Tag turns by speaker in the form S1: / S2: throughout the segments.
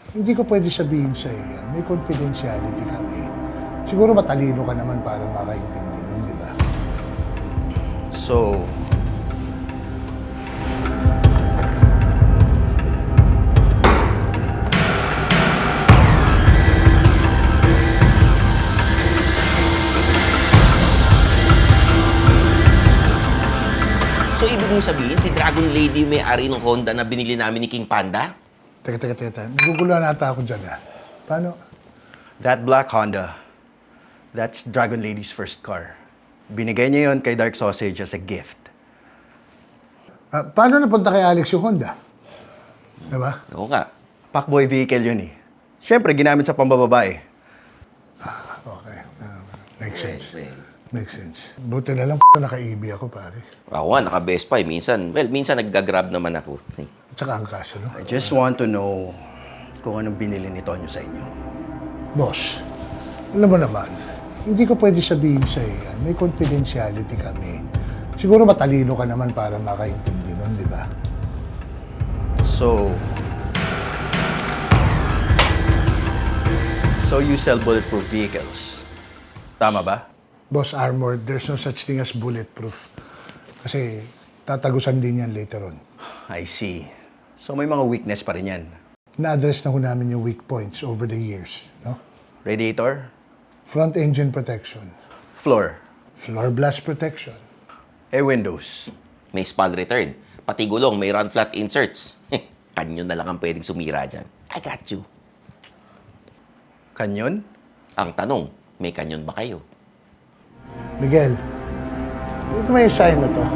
S1: Hindi ko pwede sabihin sa yan. May confidentiality kami. Siguro matalino ka naman para makaintindi nun, di ba?
S2: So,
S3: So, ibig mong sabihin, si Dragon Lady may-ari ng Honda na binili namin ni King Panda?
S1: Teka. Naguguluhan ata ako dyan, ha? Paano?
S2: that black Honda, that's Dragon Lady's first car. Binigay niya yon kay Dark Sausage as a gift.
S1: Paano napunta kay Alex yung Honda? Diba?
S3: Oo nga.
S2: Packboy vehicle yun eh. Siyempre, ginamit sa pambababae.
S1: Okay. Makes sense.
S3: Well,
S1: Makes sense. Buti na lang naka-EB ako, pare.
S3: ako nga, naka-Best Buy. Minsan nagga-grab naman ako.
S1: At saka ang kaso, no?
S2: I just want to know kung anong binili ni Tonyo sa inyo.
S1: Boss, alam mo naman, hindi ko pwede sabihin sa yan. May confidentiality kami. Siguro matalino ka naman para makaintindi nun, di ba?
S2: So you sell bulletproof vehicles. Tama ba?
S1: Boss Armored, there's no such thing as bulletproof. Kasi tatagusan din yan later on.
S2: I see. So may mga weakness pa rin yan.
S1: Na-address na ko namin yung weak points over the years, no?
S2: Radiator,
S1: Front engine protection,
S2: floor,
S1: floor blast protection,
S2: windows.
S3: May spall return. Pati gulong, may run flat inserts. Kanyo na lang ang pwedeng sumira dyan. I got you.
S2: Kanyon?
S3: Ang tanong, may kanyon ba kayo?
S1: Miguel, dito may sign na to.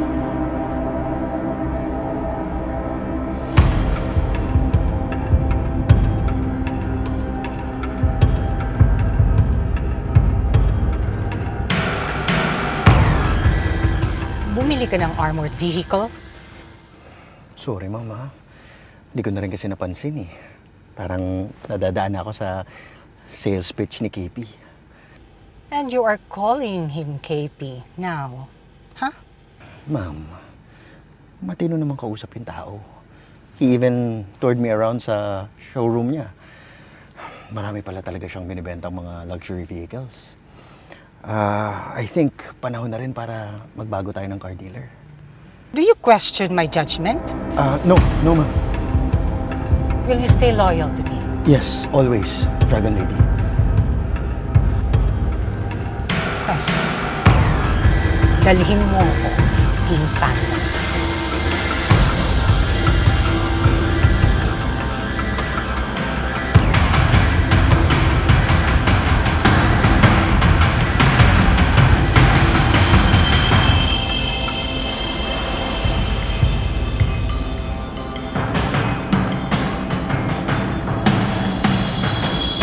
S4: Bumili ka ng armored vehicle?
S2: Sorry, Mama. Hindi ko na rin kasi napansin eh. Parang nadadaan ako sa sales pitch ni KP.
S4: And you are calling him KP now. Huh?
S2: Ma'am, matino naman kausap yung tao. He even toured me around sa showroom niya. Marami pala talaga siyang binibentang mga luxury vehicles. I think panahon na rin para magbago tayo ng car dealer.
S4: Do you question my judgment?
S2: No, ma'am.
S4: Will you stay loyal to me?
S2: Yes, always, Dragon Lady.
S4: Yes. Dalhin mo ako sa King Panda.